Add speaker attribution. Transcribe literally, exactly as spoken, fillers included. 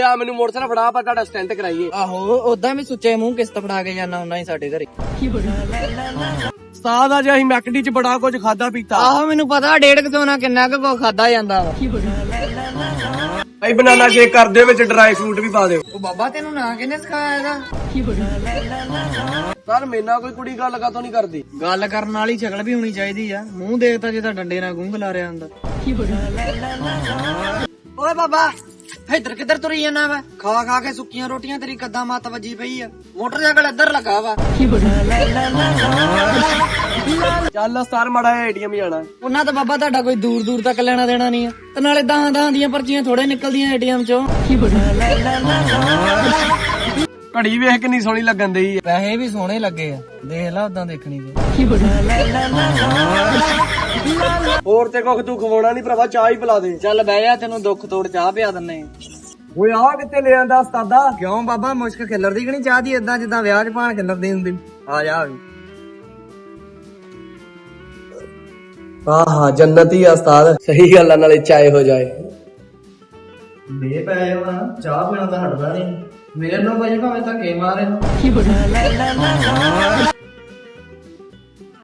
Speaker 1: ਆ ਮੈਨੂੰ ਮੋਟਰਸਾਈਕਲ ਫੜਾ ਆਪਾਂ ਤੁਹਾਡਾ ਸਟੈਂਟ ਕਰਾਈਏ।
Speaker 2: ਆਹੋ ਉਦਾਂ ਵੀ ਸੁੱਚੇ ਮੂੰਹ ਕਿਸ਼ਤ ਫੜਾ ਕੇ ਜਾਣਾ ਹੁੰਦਾ ਹੀ ਸਾਡੇ ਘਰੇ।
Speaker 1: ਉਸਤਾਦ ਆ ਜੇ ਅਸੀਂ ਮੈਕਡੀ ਚ ਬੜਾ ਕੁਝ ਖਾਦਾ ਪੀਤਾ।
Speaker 2: ਆਹੋ ਮੈਨੂੰ ਪਤਾ ਡੇਢ ਕੁ ਸੌ ਨਾਲ ਕਿੰਨਾ ਕੁ ਖਾਦਾ ਜਾਂਦਾ ਵਾ।
Speaker 1: ਭਾਈ ਬਨਾਨਾ ਸ਼ੇਕ ਕਰ ਦਿਓ, ਵਿੱਚ ਡਰਾਈ ਫਰੂਟ ਵੀ ਪਾ ਦਿਓ।
Speaker 2: ਉਹ ਬਾਬਾ ਤੈਨੂੰ ਨਾ ਕਿਹਨੇ ਸਿਖਾਇਆ ਇਹਦਾ?
Speaker 1: ਸਰ ਮੇਰੇ ਨਾਲ ਕੋਈ ਕੁੜੀ ਗੱਲ ਕਾਤੋਂ ਨਹੀਂ ਕਰਦੀ।
Speaker 2: ਗੱਲ ਕਰਨ ਵਾਲੀ ਸ਼ਕਲ ਵੀ ਹੋਣੀ ਚਾਹੀਦੀ ਆ। ਮੂੰਹ ਦੇਖਤਾ ਜੇ ਤਾਂ ਡੰਡੇ ਨਾਲ ਗੂੰਗ ਲਾ ਰਿਹਾ ਹੁੰਦਾ। ਓਏ ਬਾਬਾ ਇੱਧਰ ਕਿੱਧਰ ਤੁਰੀ ਜਾਂਦਾ ਵਾ? ਖਾ ਖਾ ਕੇ ਸੁੱਕੀਆਂ ਰੋਟੀਆਂ ਤੇਰੀ ਕੱਦਾਂ ਮੱਤ ਵੱਜੀ ਪਈ ਆ। ਮੋਟਰਸਾਈਕਲ ਇੱਧਰ ਲੱਗਾ ਵਾ।
Speaker 1: ਚੱਲ ਉਸਤਾਦ ਮਾੜਾ ਏਟੀਐਮ ਜਾਣਾ।
Speaker 2: ਉਹਨਾਂ ਤਾਂ ਬਾਬਾ ਤੁਹਾਡਾ ਕੋਈ ਦੂਰ ਦੂਰ ਤੱਕ ਲੈਣਾ ਦੇਣਾ ਨਹੀਂ ਆ, ਤੇ ਨਾਲੇ ਦਹਾਂ ਦਹਾਂ ਦੀਆਂ ਪਰਚੀਆਂ ਥੋੜੇ ਨਿਕਲਦੀਆਂ ਏਟੀਐਮ ਚੋਂ।
Speaker 1: ਘੜੀ ਵੇਖ ਕਿੰਨੀ ਸੋਹਣੀ ਲੱਗਣ ਦਈ।
Speaker 2: ਪੈਸੇ ਵੀ ਸੋਹਣੇ ਲੱਗੇ ਆ, ਦੇਖ ਲਾ ਉਦਾਂ ਦੇਖਣੀ ਤੇ।
Speaker 1: ਹੋਰ ਤੇ ਕੁਖ ਤੂੰ ਖਵਾਉਣਾ ਨਹੀਂ ਭਰਾਵਾ, ਚਾਹ ਹੀ ਪਿਲਾ ਦੇ।
Speaker 2: ਚੱਲ ਬਹਿ ਜਾ, ਤੈਨੂੰ ਦੁੱਖ ਤੋੜ ਚਾਹ ਪਿਆ ਦਿੰਨੇ।
Speaker 1: ਓਏ ਆ ਕਿੱਥੇ ਲੈ ਆਂਦਾ ਉਸਤਾਦਾ?
Speaker 2: ਕਿਉਂ ਬਾਬਾ ਮੁਸ਼ਕ ਖਿਲਰਦੀ ਕਿ ਨਹੀਂ ਚਾਹ ਦੀ? ਏਦਾਂ ਜਿੱਦਾਂ ਵਿਆਹ ਚ ਭਾਣ ਖਿਲਰਦੀ ਹੁੰਦੀ। ਆ ਜਾ
Speaker 1: ਹਾਂ ਹਾਂ ਜੰਨਤ ਹੀ ਆ ਉਸਤਾਦ। ਸਹੀ ਗੱਲ ਆ, ਨਾਲੇ ਚਾਏ ਹੋ ਜਾਏ।
Speaker 2: ਬੇ ਪੈ ਹੋਣਾ ਚਾਹ ਪੀਣਾ ਤਾਂ ਹਟਦਾ ਨਹੀਂ। ਮੇਰੇ ਨੂੰ ਭਾਈ ਭਾਵੇਂ ਧੱਕੇ ਮਾਰੇ।